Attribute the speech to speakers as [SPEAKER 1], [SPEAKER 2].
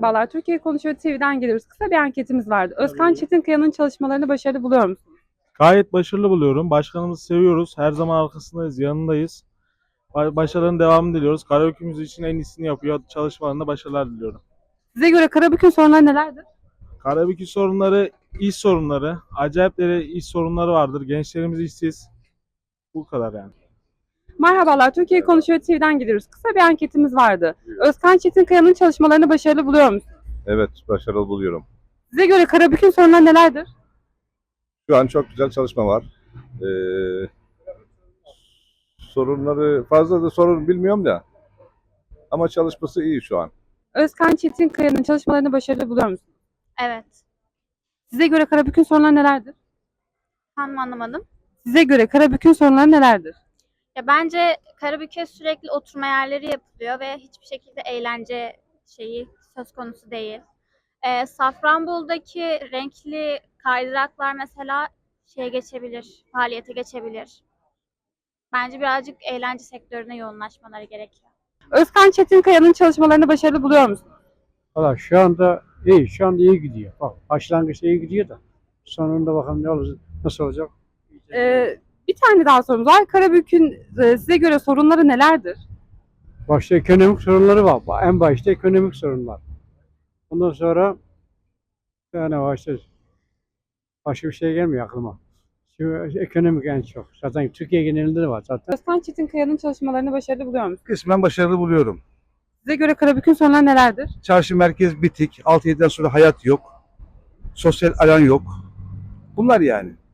[SPEAKER 1] Merhabalar, Türkiye Konuşuyor TV'den geliyoruz. Kısa bir anketimiz vardı. Özkan Çetinkaya'nın çalışmalarını başarılı buluyor musunuz?
[SPEAKER 2] Gayet başarılı buluyorum. Başkanımızı seviyoruz. Her zaman arkasındayız, yanındayız. Başarıların devamını diliyoruz. Karaoke için en iyisini yapıyor. Çalışmalarında başarılar diliyorum.
[SPEAKER 1] Size göre Karabük'ün sorunları nelerdir?
[SPEAKER 2] Karaoke sorunları, iş sorunları, acayip iş sorunları vardır. Gençlerimiz işsiz. Bu kadar yani.
[SPEAKER 1] Merhabalar, Türkiye Konuşuyor TV'den geliyoruz. Kısa bir anketimiz vardı. Özkan Çetinkaya'nın çalışmalarını başarılı buluyor musunuz?
[SPEAKER 3] Evet, başarılı buluyorum.
[SPEAKER 1] Size göre Karabük'ün sorunları nelerdir?
[SPEAKER 3] Şu an çok güzel çalışma var. Ee, Sorunları fazla da sorun bilmiyorum da ama çalışması iyi şu an.
[SPEAKER 1] Özkan Çetinkaya'nın çalışmalarını başarılı buluyor musunuz?
[SPEAKER 4] Evet.
[SPEAKER 1] Size göre Karabük'ün sorunları nelerdir?
[SPEAKER 4] Tam anlamadım.
[SPEAKER 1] Size göre Karabük'ün sorunları nelerdir?
[SPEAKER 4] Ya bence Karabük'e sürekli oturma yerleri yapılıyor ve hiçbir şekilde eğlence şeyi söz konusu değil. Safranbolu'daki renkli kaydıraklar mesela faaliyete geçebilir. Bence birazcık eğlence sektörüne yoğunlaşmaları gerekiyor.
[SPEAKER 1] Özkan Çetinkaya'nın çalışmalarını başarılı buluyor musunuz?
[SPEAKER 5] Valla şu anda iyi, şu anda iyi gidiyor. Bak başlangıçta iyi gidiyor da sonunda bakalım ne olacak, nasıl olacak.
[SPEAKER 1] Bir tane daha sorumuz var. Karabük'ün size göre sorunları nelerdir?
[SPEAKER 5] Başta ekonomik sorunları var. En başta ekonomik sorunlar. Ondan sonra yani başka bir şey gelmiyor aklıma. Şu ekonomik en çok. Zaten Türkiye genelinde de var zaten.
[SPEAKER 1] Özkan Çetinkaya'nın çalışmalarını başarılı buluyor musunuz?
[SPEAKER 6] Kısmen başarılı buluyorum.
[SPEAKER 1] Size göre Karabük'ün sorunları nelerdir?
[SPEAKER 6] Çarşı merkez bitik. 6-7'den sonra hayat yok. Sosyal alan yok. Bunlar yani.